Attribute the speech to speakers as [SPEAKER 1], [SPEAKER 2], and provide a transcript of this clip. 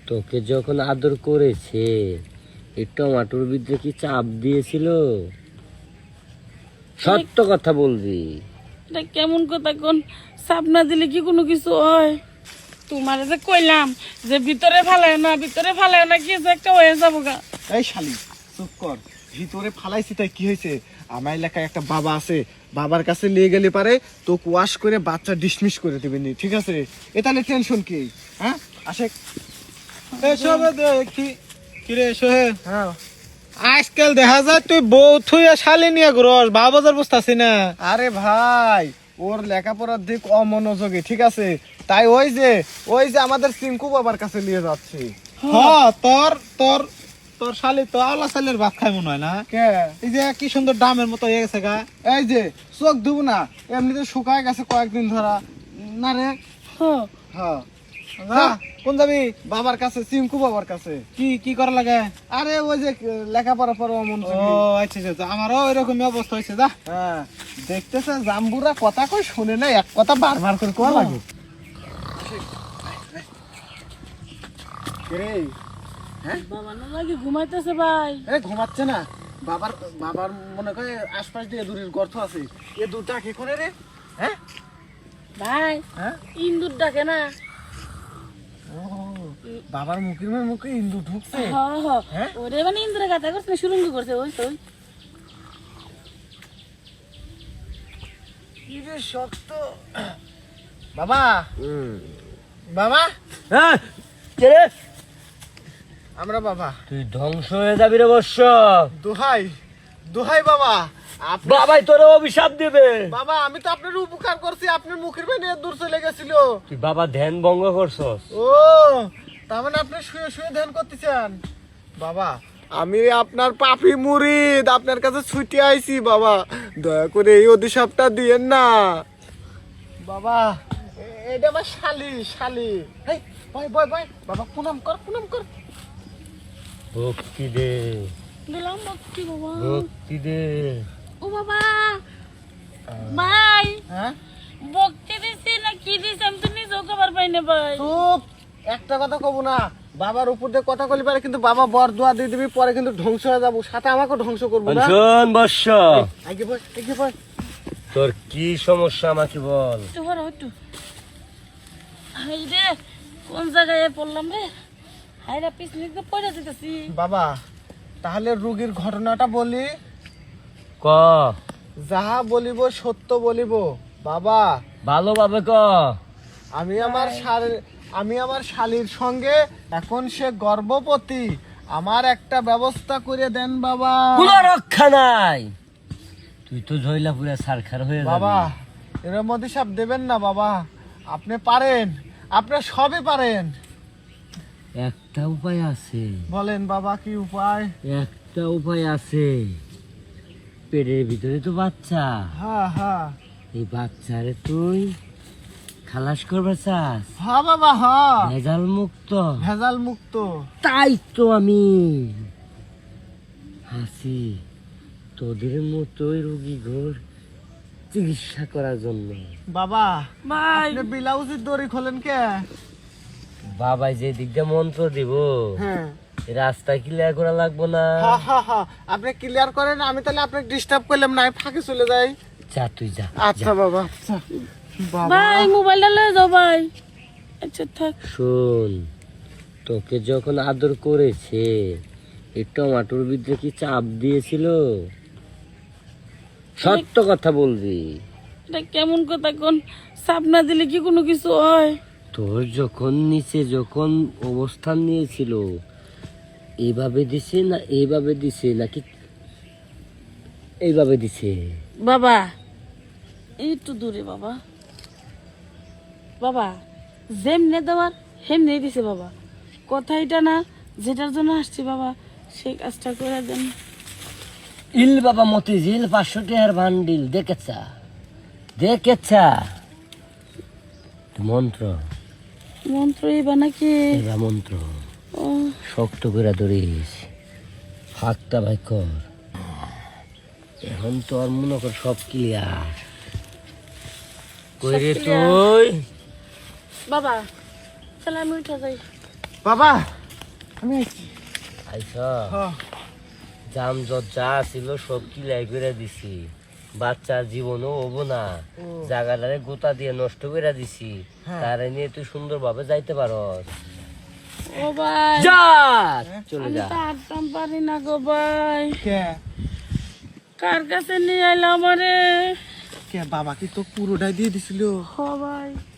[SPEAKER 1] তোকে যখন আদর করেছে এই টমাটোর ভিতরে কি চাপ দিয়েছিল? সত্য কথা বলবি।
[SPEAKER 2] এটা কেমন কথা কোন? চাপ না দিলে কি কোনো কিছু হয়? তোমার যে কইলাম যে ভিতরে ফালায় না কি যে একটা হয়ে যাবো গা।
[SPEAKER 3] এই শালি চুপ কর, ভিতরে ফালাইছি তাই কি হয়েছে? আমার এলাকায় একটা বাবা আছে, বাবার কাছে নিয়ে গেলে পারে তোকে ওয়াশ করে বাচ্চা ডিসমিস করে দেবেন, ঠিক আছে? এ তাহলে টেনশন কি? হ্যাঁ আসে
[SPEAKER 4] এসো দেখি কিরে সোহেল,
[SPEAKER 3] হ্যাঁ।
[SPEAKER 4] আজকাল দেখা যায় তুই বউ থুইয়া শালি নিয়ে ঘুরস, বাজার বসতাছি না।
[SPEAKER 3] আরে ভাই ওর লেখাপড়ার দিক অমনোযোগী, ঠিক আছে? তাই ওই যে আমাদের সিঙ্কু বাবার কাছে নিয়ে যাচ্ছি।
[SPEAKER 4] হ্যাঁ তোর তোর তোর শালি তো আল্লাহ শালের ভাত খাই মনে হয় না?
[SPEAKER 3] কে?
[SPEAKER 4] এই যে কি সুন্দর ডামের মতো হয়ে গেছে গা।
[SPEAKER 3] এই যে চোখ ধুবো না, এমনিতে শুকায় গেছে কয়েকদিন ধরা না রে।
[SPEAKER 2] হ্যাঁ
[SPEAKER 3] হ্যাঁ
[SPEAKER 4] যা, কোন যাবি?
[SPEAKER 3] বাবার কাছে, সিঙ্কু বাবার কাছে।
[SPEAKER 4] কি কি করা লাগে?
[SPEAKER 3] আরে ওই যে লেখাপড়া পড়া
[SPEAKER 4] ও
[SPEAKER 3] অমনোযোগী।
[SPEAKER 4] আচ্ছা আচ্ছা, আমারও এরকমই অবস্থা হয়েছে। যা
[SPEAKER 3] হ্যাঁ দেখতেছে জাম্বুরা কথা কই শুনে না, এক কথা বারবার করে কোয়া লাগে। রে
[SPEAKER 2] বাবা না লাগে ঘুমাইতেছে ভাই।
[SPEAKER 3] এ ঘুমাচ্ছে না, বাবার মনে করে আশপাশ দিয়ে দূরের গর্ত আছে, এ দুটা কি করে রে? হ্যাঁ
[SPEAKER 2] ভাই
[SPEAKER 3] হ্যাঁ
[SPEAKER 2] ইন্দুর ডাকে না।
[SPEAKER 3] ও বাবার মুখে ইন্দু ঢুকছে। হ্যাঁ?
[SPEAKER 2] ওরে মানে ইন্দুরে গাতা করছে না, সুরঙ্গ করছে ওই তো।
[SPEAKER 3] কি রে শক্ত বাবা, বাবা
[SPEAKER 1] কে রে?
[SPEAKER 3] আমরা বাবা।
[SPEAKER 1] তুই ধ্বংস হয়ে যাবি রে বর্ষ।
[SPEAKER 3] দোহাই দোহাই বাবা,
[SPEAKER 1] বাবাই তোর অভিশাপ দেবে।
[SPEAKER 3] বাবা আমি তো আপনার উপকার করছি, আপনার মুখের মেয়ে দূর চলে গেছিল।
[SPEAKER 1] তুই বাবা ধ্যান ভঙ্গ করছস।
[SPEAKER 3] ও তার মানে আপনি শুয়ে শুয়ে ধ্যান করতেছেন? বাবা আমি আপনার পাপী মুরিদ, আপনার কাছে ছুটে আইছি বাবা, দয়া করে এই অভিশাপটা দিয়েন না বাবা। এটা আমার শালি। হেই বয় বয় বয় বাবা, প্রণাম কর।
[SPEAKER 1] ভক্তি দে,
[SPEAKER 2] দিলাম ভক্তি বাবা।
[SPEAKER 1] ভক্তি দে।
[SPEAKER 2] ও বাবা ভাই
[SPEAKER 3] হ্যাঁ
[SPEAKER 2] ভক্তি দিছি না কি দিছি আমি তো নিজেও খবর পাই না ভাই।
[SPEAKER 3] চুপ, একটা কথা কব না, বাবার উপর দিয়ে কথা কলি পারে কিন্তু বাবা বর দোয়া দিয়ে দিবি, পরে কিন্তু ধ্বংস হয়ে যাবো, সাথে আমাকে ধ্বংস করবো না।
[SPEAKER 1] শোন বর্ষ,
[SPEAKER 3] আগে বয়।
[SPEAKER 1] তোর কি সমস্যা আমাকে বল।
[SPEAKER 2] একটু বড় একটু। হাই রে কোন জায়গায় পড়লাম রে? হাই রে পিছনে তো পড়ে যেতেছি।
[SPEAKER 3] বাবা তাহলে রোগীর ঘটনাটা বলি,
[SPEAKER 1] ক
[SPEAKER 3] যাহা বলিব সত্য বলিব বাবা।
[SPEAKER 1] ভালোভাবে ক।
[SPEAKER 3] আমি আমার শালীর সঙ্গে এখন সে গর্ভবতী, আমার একটা ব্যবস্থা করে দেন বাবা।
[SPEAKER 1] কোনো রক্ষা নাই, তুই তো জয়লাপুরে সারখার হয়ে যাবি।
[SPEAKER 3] বাবা এর মধ্যে সব দেবেন না বাবা, আপনি পারেন, আপনি সবই পারেন।
[SPEAKER 1] একটা উপায় আছে।
[SPEAKER 3] বলেন বাবা কি উপায়?
[SPEAKER 1] একটা উপায় আছে। পেটের ভিতরে তো বাচ্চা,
[SPEAKER 3] হ্যাঁ
[SPEAKER 1] এই বাচ্চারে তুই খালাস করবার চাস,
[SPEAKER 3] হ্যাঁ বাবা হ্যাঁ,
[SPEAKER 1] ভেজাল মুক্ত।
[SPEAKER 3] ভেজাল মুক্ত।
[SPEAKER 1] তাই তো আমি আছি তোদের মতোই রোগী ঘর চিকিৎসা করার জন্য।
[SPEAKER 3] বাবা
[SPEAKER 2] ভাই
[SPEAKER 3] আপনি ব্লাউজের দড়ি খোলেন কে?
[SPEAKER 1] বাবাই যে দিক দিয়ে মন্ত্র দিব,
[SPEAKER 3] হ্যাঁ
[SPEAKER 1] রাস্তা ক্লিয়ার করা লাগবো না।
[SPEAKER 3] হ্যাঁ আপনি ক্লিয়ার করেন, আমি তাহলে আপনাকে ডিস্টার্ব করলাম না, আমি ফাঁকে চলে যাই।
[SPEAKER 1] যা তুই যা।
[SPEAKER 3] আচ্ছা বাবা, আচ্ছা বাবা।
[SPEAKER 2] ভাই মোবাইলটা লয়ে যাও ভাই। আচ্ছা থাক।
[SPEAKER 1] শোন, তোকে যখন আদর করেছে এই টমাটোর ভিতরে কি চাপ দিয়েছিল? সত্য কথা বলবি।
[SPEAKER 2] এটা কেমন কথা কোন? চাপ না দিলে কি কোনো কিছু হয়?
[SPEAKER 1] তোর যখন নিচে যখন অবস্থান নিয়েছিল এইভাবে দিছে না এইভাবে দিছে নাকি এইভাবে দিছে?
[SPEAKER 2] বাবা একটু দূরে বাবা। বাবা যেমনে দেওয়ার হেমনে দিছে বাবা। কথা এটা না যেটার জন্য আসছি বাবা, সেই কাজটা করে দেন।
[SPEAKER 1] ইল বাবা মতিঝিল 500 টাকার বান্ডিল দেখেছা মন্ত্র
[SPEAKER 2] মন্ত্র এবা নাকি?
[SPEAKER 1] এবার মন্ত্র
[SPEAKER 2] ও
[SPEAKER 1] শক্ত করে ধরিস, হাতটা ভাই কর। এখন তো আর মনে কর সব ক্লিয়ার। কইরে
[SPEAKER 2] সব clear।
[SPEAKER 1] তুই
[SPEAKER 2] বাবা তাহলে আমি উঠে যাই।
[SPEAKER 3] বাবা আমি আইছি
[SPEAKER 1] আইস
[SPEAKER 3] হ্যাঁ
[SPEAKER 1] জাম যা ছিল সব কিলাই করে দিছি, বাচ্চার জীবনও হবো না, জায়গাটারে গোতা দিয়ে নষ্ট করে দিছি, তারে নিয়ে তুই সুন্দরভাবে যাইতে পারস।
[SPEAKER 2] ও ভাই
[SPEAKER 1] যা চলে
[SPEAKER 2] আমি
[SPEAKER 1] যা।
[SPEAKER 2] তো হাঁটতাম পারি না গো ভাই,
[SPEAKER 3] কে
[SPEAKER 2] কার কাছে নিয়ে আইলাম আমারে?
[SPEAKER 3] কে বাবা কি তো পুরোটাই দিয়ে দিছিল?
[SPEAKER 2] ও ভাই